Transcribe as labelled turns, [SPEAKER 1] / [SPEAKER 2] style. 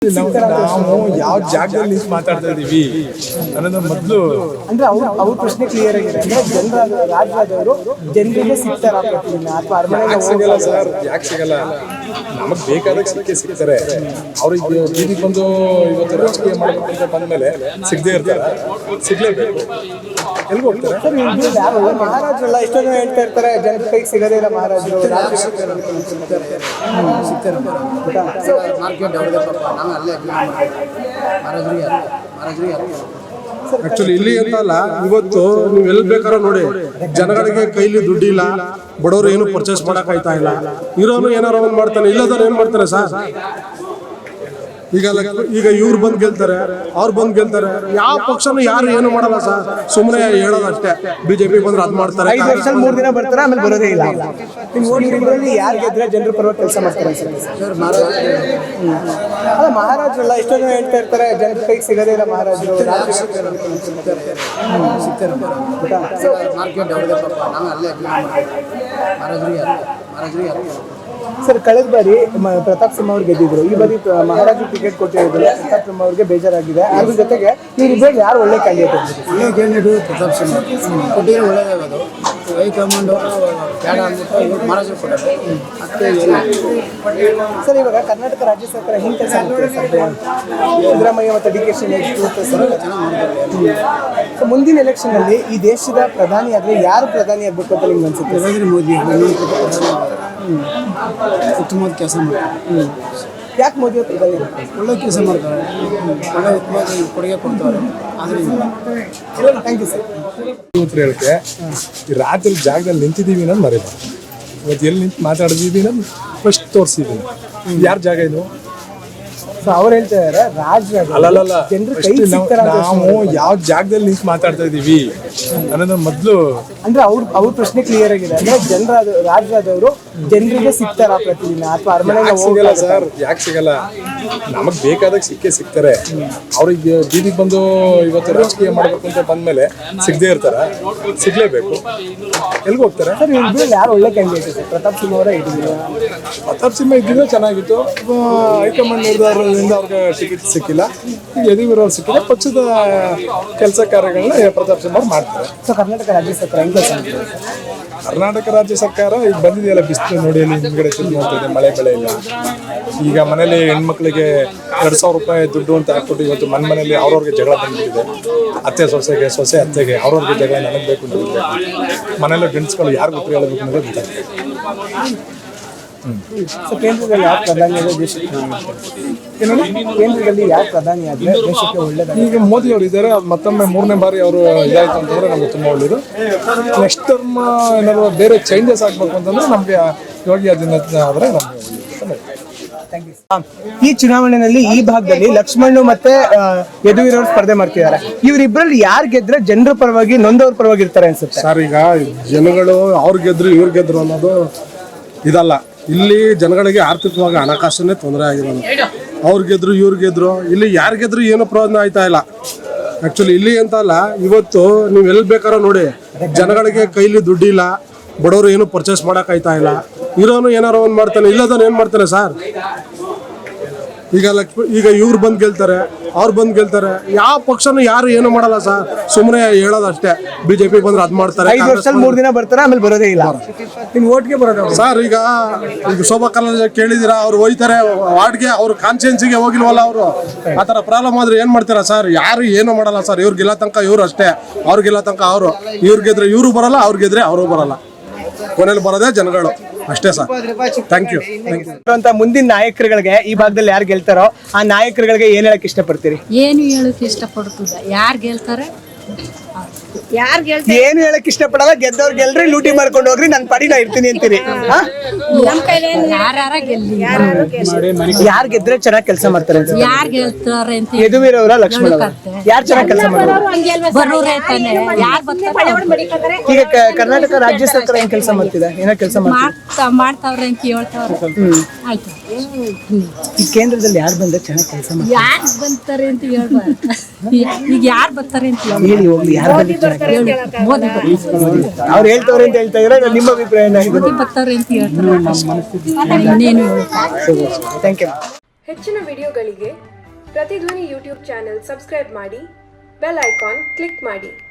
[SPEAKER 1] ನಾವು ಯಾವ ಜಾಗದಲ್ಲಿ ಮಾತಾಡ್ತಾ ಇದೀವಿ ಅನ್ನೋದು ಮೊದಲು
[SPEAKER 2] ಅಂದ್ರೆ ಅವ್ರ ಪ್ರಶ್ನೆ ಕ್ಲಿಯರ್ ಆಗಿದೆ. ಅಂದ್ರೆ ಜನರ ರಾಜ್ಯದವರು ಜನರಿಗೆ ಸಿಗ್ತಾರ ಅಥವಾ ಅರಮನೆಗೆ
[SPEAKER 1] ಸಿಗಲ್ಲ ಸರ್. ಯಾಕೆ ಸಿಗಲ್ಲ? ನಮಗ್ ಬೇಕಾದಾಗ ಸಿಗ್ತಾರೆ. ಅವ್ರಿಗೆ ಬೀದಿಗೆ ಬಂದು ಇವತ್ತು ರಾಜಕೀಯ ಮಾಡಬೇಕು ಅಂತ ಬಂದ್ಮೇಲೆ ಸಿಗದೆ ಇರ್ತಾರೆ, ಸಿಗ್ಲೇಬೇಕು. ಎಲ್ಗೂ ಹೋಗ್ತಾರೆ
[SPEAKER 2] ಸರ್. ಮಹಾರಾಜರೆಲ್ಲ ಎಷ್ಟೋ ಜನ ಹೇಳ್ತಾ ಇರ್ತಾರೆ ಜನರ ಕೈಗೆ ಸಿಗದೇ ಇಲ್ಲ ಮಹಾರಾಜರು.
[SPEAKER 3] ಆಕ್ಚುಲಿ ಇಲ್ಲಿ ಅಂತ ಅಲ್ಲ, ಇವತ್ತು ನೀವು ಎಲ್ಲಿ ಬೇಕಾದ್ರೂ ನೋಡಿ, ಜನಗಳಿಗೆ ಕೈಲಿ ದುಡ್ಡಿಲ್ಲ, ಬಡವರು ಏನು ಪರ್ಚೇಸ್ ಮಾಡಕ್ ಆಯ್ತಾ ಇಲ್ಲ. ಇರೋನು ಏನಾರ ಒಂದ್ ಮಾಡ್ತಾನೆ, ಇಲ್ಲದವ್ರು ಏನ್ ಮಾಡ್ತಾರೆ ಸರ್? ಈಗ ಇವ್ರು ಬಂದ್ ಗೆಲ್ತಾರೆ, ಅವ್ರು ಬಂದ್ ಗೆಲ್ತಾರೆ. ಯಾವ ಪಕ್ಷನೂ ಯಾರು ಏನು ಮಾಡಲ್ಲ ಸರ್, ಸುಮ್ಮನೆ ಹೇಳೋದಷ್ಟೇ. ಬಿಜೆಪಿ ಬಂದ್ರೆ ಅದ್ ಮಾಡ್ತಾರೆ.
[SPEAKER 2] 5 ವರ್ಷ 3 ದಿನ ಬರ್ತಾರೆ, ಆಮೇಲೆ ಬರೋದೇ ಇಲ್ಲ. ಯಾರು ಗೆದ್ರೆ ಜನರ ಪರವಾಗಿ ಕೆಲಸ ಮಾಡ್ತಾರೆ ಸರ್. ಅಲ್ಲ, ಮಹಾರಾಜರೆಲ್ಲ ಎಷ್ಟೋ ಜನ ಹೇಳ್ತಾ ಇರ್ತಾರೆ ಜನರ ಕೈಗೆ ಸಿಗದೇ ಇಲ್ಲ ಮಹಾರಾಜರು. ಸರ್, ಕಳೆದ ಬಾರಿ ಪ್ರತಾಪ್ ಸಿಂಹ ಅವ್ರು ಗೆದ್ದಿದ್ರು. ಈ ಬಾರಿ ಮಹಾರಾಜರು ಟಿಕೆಟ್ ಕೊಟ್ಟಿರೋದಿಲ್ಲ. ಪ್ರತಾಪ್ ಸಿಂಹ ಅವ್ರಿಗೆ ಬೇಜಾರಾಗಿದೆ. ಅದ್ರ ಜೊತೆಗೆ ಇವ್ರಿಬ್ಬರು ಯಾರು ಒಳ್ಳೆ ಕ್ಯಾಂಡಿಡೇಟ್?
[SPEAKER 4] ಒಳ್ಳೆ ಕ್ಯಾಂಡಿಡೇಟ್ ಪ್ರತಾಪ್ ಸಿಂಹ ಕೊಟ್ಟಿರೋ ಒಳ್ಳೆಯದಾಗೋದು. ಹೈಕಮಾಂಡ್ ಬೇಡ ಅಂದ್ಬಿಟ್ಟು ಮಹಾರಾಜರು ಕೊಟ್ಟರೆ
[SPEAKER 2] ಸರ್, ಇವಾಗ ಕರ್ನಾಟಕ ರಾಜ್ಯ ಸರ್ಕಾರ ಹಿಂಗೆ ಕೆಲಸ ಮಾಡ್ತಾರೆ ಸರ್. ಸಿದ್ದರಾಮಯ್ಯ ಮತ್ತು ಡಿ ಕೆ ಶಿವಕುಮಾರ್ ಸರ್ ಚೆನ್ನಾಗಿ ಮುಂದಿನ ಎಲೆಕ್ಷನ್ ಅಲ್ಲಿ ಈ ದೇಶದ ಪ್ರಧಾನಿ ಆದರೆ ಯಾರು ಪ್ರಧಾನಿ ಆಗ್ಬೇಕು ಅಂತ ನಿಮ್ಗೆ ಅನ್ಸುತ್ತೆ?
[SPEAKER 4] ನರೇಂದ್ರ ಮೋದಿ ಉತ್ತಮವಾದ ಕೆಲಸ ಮಾಡ್ತಾರೆ.
[SPEAKER 2] ಯಾಕೆ ಮೋದಿ ಅವರು ಪ್ರಧಾನಿ?
[SPEAKER 4] ಒಳ್ಳೆ ಕೆಲಸ ಮಾಡ್ತಾರೆ, ಒಳ್ಳೆ ಉತ್ತಮವಾದ ಕೊಡುಗೆ ಕೊಡ್ತಾರೆ. ಆದರೆ
[SPEAKER 2] ಥ್ಯಾಂಕ್ ಯು ಸರ್.
[SPEAKER 1] ಹೇಳಕ್ಕೆ ಈ ರಾತ್ರಿ ಜಾಗದಲ್ಲಿ ನಿಂತಿದ್ದೀವಿ ಅನ್ನೋದು ಮರಿಬಾರ್ದು. ಇವತ್ತು ಎಲ್ಲಿ ನಿಂತು ಮಾತಾಡಿದೀವಿ ಅನ್ನೋದು ಫಸ್ಟ್ ತೋರಿಸಿದ್ದೀನಿ. ಯಾರ ಜಾಗ ಇದು?
[SPEAKER 2] ಅವ್ರು ಹೇಳ್ತಾ ಇದಾರೆ ರಾಜ್ಯ
[SPEAKER 1] ಅಲ್ಲಲ್ಲ,
[SPEAKER 2] ಜನರು
[SPEAKER 1] ನಾವು ಯಾವ ಜಾಗದಲ್ಲಿ ನಿಂತು ಮಾತಾಡ್ತಾ ಇದೀವಿ ಅನ್ನೋದು ಮೊದಲು.
[SPEAKER 2] ಅಂದ್ರೆ ಅವ್ರ ಪ್ರಶ್ನೆ ಕ್ಲಿಯರ್ ಆಗಿದೆ. ಅಂದ್ರೆ ಜನರ ರಾಜ್ಯದವರು ಜನರಿಗೆ ಸಿಗ್ತಾರ ಪ್ರತಿದಿನ ಅಥವಾ ಅರಮನೆಗೆ
[SPEAKER 1] ಸಿಗಲ್ಲ ಸರ್. ಯಾಕೆ ಸಿಗಲ್ಲ? ನಮಗ್ ಬೇಕಾದಾಗ ಸಿಗ್ತಾರೆ. ಅವ್ರಿಗೆ ಬೀದಿಗೆ ಬಂದು ಇವತ್ತು ರಾಜಕೀಯ ಮಾಡಬೇಕು ಅಂತ ಬಂದ್ಮೇಲೆ ಸಿಗದೆ ಇರ್ತಾರ, ಸಿಗ್ಲೇಬೇಕು. ಎಲ್ಗೂ ಹೋಗ್ತಾರೆ
[SPEAKER 2] ಸರ್. ಇವ್ರು ಯಾರು ಒಳ್ಳೆ ಕ್ಯಾಂಡಿಡೇಟ್? ಪ್ರತಾಪ್ ಸಿಂಹ ಅವರೇ ಇದ್ದೀವಿ.
[SPEAKER 1] ಪ್ರತಾಪ್ ಸಿಂಹ ಇದ್ದಿದ್ರೆ ಚೆನ್ನಾಗಿತ್ತು. ಹೈಕಮಾಂಡ್ ನಿರ್ಧಾರದಿಂದ ಅವ್ರಿಗೆ ಟಿಕೆಟ್ ಸಿಕ್ಕಿಲ್ಲ. ಈಗ ಯದುವೀರವ್ರು ಸಿಕ್ಕಿಲ್ಲ. ಪಕ್ಷದ ಕೆಲಸ ಕಾರ್ಯಗಳನ್ನ ಪ್ರತಾಪ್ ಸಿಂಹ ಮಾಡ್ತಾರೆ.
[SPEAKER 2] ಸೊ ಕರ್ನಾಟಕ ರಾಜ್ಯ ಸರ್ಕಾರ ಹೆಂಗೆ ಕೆಲಸ ಮಾಡ್ತಾರೆ?
[SPEAKER 1] ಕರ್ನಾಟಕ ರಾಜ್ಯ ಸರ್ಕಾರ ಈಗ ಬಂದಿದೆಯಲ್ಲ, ಬಿಸಿಲು ನೋಡಿ ಅಲ್ಲಿ ಹಿಂದ್ಗಡೆ ತಿರುಗಿ ನೋಡ್ತಿದೆ, ಮಳೆ ಬೆಳೆ ಇಲ್ಲ. ಈಗ ಮನೇಲಿ ಹೆಣ್ಮಕ್ಳಿಗೆ 2,000 ರೂಪಾಯಿ ದುಡ್ಡು ಅಂತ ಹಾಕ್ಬಿಟ್ಟು ಇವತ್ತು ಮನೆಯಲ್ಲಿ ಅವ್ರವ್ರಿಗೆ ಜಗಳ ಬಂದ್ಬಿಟ್ಟಿದೆ. ಅತ್ತೆ ಸೊಸೆಗೆ, ಸೊಸೆ ಅತ್ತೆಗೆ, ಅವ್ರವ್ರಿಗೆ ಜಗಳ ನನಗೆ ಬೇಕು ಅಂತ ಮನೆಯಲ್ಲ ಗಂಡಸ್ಗಳು ಯಾರು ಗೊತ್ತು ಹೇಳಬೇಕು ಅನ್ನೋದು ಗೊತ್ತಾಗ್ತದೆ.
[SPEAKER 2] ಸೊ ಕೇಂದ್ರದಲ್ಲಿ ಯಾರು ಪ್ರಧಾನಿ ಆದರೆ ದೇಶಕ್ಕೆ ಕೇಂದ್ರದಲ್ಲಿ ಯಾರು ಪ್ರಧಾನಿ ಆದರೆ ದೇಶಕ್ಕೆ ಒಳ್ಳೆಯದಾಗ?
[SPEAKER 1] ಈಗ ಮೋದಿ ಅವರು ಇದ್ದಾರೆ. ಮತ್ತೊಮ್ಮೆ 3ನೇ ಬಾರಿ ಅವರು ಇದಾಯ್ತು ಅಂತಂದ್ರೆ ನಮ್ಗೆ ತುಂಬ ಒಳ್ಳೇದು. ನೆಕ್ಸ್ಟ್ ಟರ್ಮ್ ಏನಾದ್ರು ಬೇರೆ ಚೇಂಜಸ್ ಆಗ್ಬೇಕು ಅಂತಂದ್ರೆ ನಮಗೆ ಯೋಗಿ ಆದಿತ್ಯನಾಥ್ ಆದರೆ ನಮಗೆ
[SPEAKER 2] ಈ ಚುನಾವಣೆಯಲ್ಲಿ ಈ ಭಾಗದಲ್ಲಿ ಲಕ್ಷ್ಮಣ್ ಮತ್ತೆ ಯದುವೀರವ್ರು ಸ್ಪರ್ಧೆ ಮಾಡ್ತಿದ್ದಾರೆ. ಇವರಿಬ್ಬರಲ್ಲಿ ಯಾರು ಗೆದ್ರೆ ಜನರ ಪರವಾಗಿ ನೊಂದವ್ರ ಪರವಾಗಿ ಇರ್ತಾರೆ ಅನ್ಸುತ್ತೆ
[SPEAKER 3] ಸರ್? ಈಗ ಜನಗಳು ಅವ್ರು ಗೆದ್ರು ಇವ್ರು ಗೆದ್ರು ಅನ್ನೋದು ಇದಲ್ಲ. ಇಲ್ಲಿ ಜನಗಳಿಗೆ ಆರ್ಥಿಕವಾಗಿ ಹಣಕಾಸನ್ನೇ ತೊಂದರೆ ಆಗಿರೋದು. ಅವ್ರು ಗೆದ್ರು ಇವ್ರು ಗೆದ್ರು, ಇಲ್ಲಿ ಯಾರು ಗೆದ್ರು ಏನು ಪ್ರಯೋಜನ ಆಯ್ತಾ ಇಲ್ಲ. ಆಕ್ಚುಲಿ ಇಲ್ಲಿ ಅಂತ ಅಲ್ಲ, ಇವತ್ತು ನೀವು ಎಲ್ಲಿ ಬೇಕಾದ್ರೂ ನೋಡಿ, ಜನಗಳಿಗೆ ಕೈಲಿ ದುಡ್ಡಿಲ್ಲ, ಬಡವರು ಏನು ಪರ್ಚೇಸ್ ಮಾಡಕ್ ಆಯ್ತಾ ಇಲ್ಲ. ಇರೋನು ಏನಾರ ಒಂದ್ ಮಾಡ್ತಾನೆ, ಇಲ್ಲದವ್ರು ಏನ್ ಮಾಡ್ತಾನೆ ಸರ್? ಈಗ ಇವ್ರು ಬಂದ್ ಗೆಲ್ತಾರೆ, ಅವ್ರು ಬಂದ್ ಗೆಲ್ತಾರೆ. ಯಾವ ಪಕ್ಷನೂ ಯಾರು ಏನು ಮಾಡಲ್ಲ ಸರ್, ಸುಮ್ಮನೆ ಹೇಳೋದಷ್ಟೇ. ಬಿಜೆಪಿ ಬಂದ್ರೆ ಅದ್ ಮಾಡ್ತಾರೆ.
[SPEAKER 2] 5 ವರ್ಷ 3 ದಿನ ಬರ್ತಾರೆ, ಆಮೇಲೆ ಬರೋದೇ ಇಲ್ಲ. ನಿಮ್ ಓಟ್ಗೆ ಬರೋದು
[SPEAKER 3] ಸರ್. ಈಗ ಶೋಭಾ ಕರಂದ್ಲಾಜೆ ಕೇಳಿದಿರಾ? ಅವ್ರು ಹೋಯ್ತಾರೆ ವಾರ್ಡ್ಗೆ, ಅವ್ರ ಕಾನ್ಸ್ಟಿಟ್ಯೂನ್ಸಿಗೆ ಹೋಗಿಲ್ವಲ್ಲ ಅವರು. ಆತರ ಪ್ರಾಬ್ಲಮ್ ಆದ್ರೆ ಏನ್ ಮಾಡ್ತೀರಾ ಸರ್? ಯಾರು ಏನು ಮಾಡಲ್ಲ ಸರ್. ಇವ್ರು ಗೆಲ್ಲ ತನಕ ಇವ್ರು ಅಷ್ಟೇ, ಅವ್ರು ಗೆಲ್ಲ ತನಕ ಅವರು. ಇವ್ರು ಗೆದ್ರೆ ಇವ್ರು ಬರಲ್ಲ, ಅವ್ರು ಗೆದ್ರೆ ಅವರು ಬರಲ್ಲ. ಕೊನೆಯಲ್ಲಿ ಬರೋದೇ ಜನಗಳು ಅಷ್ಟೇ ಸರ್. Thank you.
[SPEAKER 2] ಅಂತ ಮುಂದಿನ ನಾಯಕರುಗಳಿಗೆ ಈ ಭಾಗದಲ್ಲಿ ಯಾರು ಗೆಲ್ತಾರೋ ಆ ನಾಯಕರುಗಳಿಗೆ ಏನ್ ಹೇಳಕ್ ಇಷ್ಟಪಡ್ತೀರಿ?
[SPEAKER 5] ಏನು ಹೇಳಕ್ ಇಷ್ಟಪಡ್ತದ? ಯಾರು ಗೆಲ್ತಾರೆ?
[SPEAKER 2] ಏನು ಹೇಳಕ್ ಇಷ್ಟಪಡಲ್ಲ. ಗೆದ್ದವ್ರು ಗೆಲ್ರಿ, ಲೂಟಿ ಮಾಡ್ಕೊಂಡು ಹೋಗ್ರಿ, ನನ್ ಪಡಿ ನಾ ಇರ್ತೀನಿ ಅಂತೀರಿ. ಯಾರು ಗೆದ್ರೆ ಚೆನ್ನಾಗಿ ಕೆಲಸ ಮಾಡ್ತಾರೆ?
[SPEAKER 5] ಯಾರು ಗೆಲ್ತಾರೆ ಅಂತ
[SPEAKER 2] ಯದುವೀರವ್ರ, ಲಕ್ಷ್ಮಣ ಯಾರು ಚೆನ್ನಾಗಿ ಕೆಲಸ ಮಾಡ್ತಾರೆ? ಈಗ ಕರ್ನಾಟಕ ರಾಜ್ಯ ಸರ್ಕಾರ ಹೆಂಗ್ ಕೆಲಸ ಮಾಡ್ತಿದೆ? ಏನೋ ಕೆಲಸ
[SPEAKER 5] ಮಾಡ್ತಾವ್ರೆ ಅಂತ ಹೇಳ್ತಾವ್ರೆ. ಆಯ್ತು,
[SPEAKER 2] ಈ ಕೇಂದ್ರದಲ್ಲಿ ಯಾರು ಬಂದ್ರೆ ಚೆನ್ನಾಗಿ ಕೆಲಸ ಮಾಡ್ತಾರೆ?
[SPEAKER 5] ಯಾರು ಬರ್ತಾರೆ ಅಂತ ಹೇಳ್ಬಾರ್ದು. ಈಗ ಯಾರು ಬರ್ತಾರೆ ಅಂತ
[SPEAKER 2] ಹೇಳಿ ಹೋಗ್ಲಿ. ಯಾರು ಬಂದ್ರೆ
[SPEAKER 5] ಮೋದಿ
[SPEAKER 2] ಅವ್ರು ಹೇಳ್ತವ್ರೆ ಅಂತ ಹೇಳ್ತಾ ಇದ್ರೆ ನಿಮ್ಮ ಅಭಿಪ್ರಾಯ
[SPEAKER 5] ಮೋದಿ ಬರ್ತಾರೆ ಅಂತ ಹೇಳ್ತಾರೆ. ಇನ್ನೇನು
[SPEAKER 2] ಥ್ಯಾಂಕ್ ಯು.
[SPEAKER 6] ಹೆಚ್ಚಿನ ವಿಡಿಯೋಗಳಿಗೆ ಪ್ರತಿಧ್ವನಿ ಯೂಟ್ಯೂಬ್ ಚಾನೆಲ್ ಸಬ್ಸ್ಕ್ರೈಬ್ ಮಾಡಿ, ಬೆಲ್ ಐಕಾನ್ ಕ್ಲಿಕ್ ಮಾಡಿ.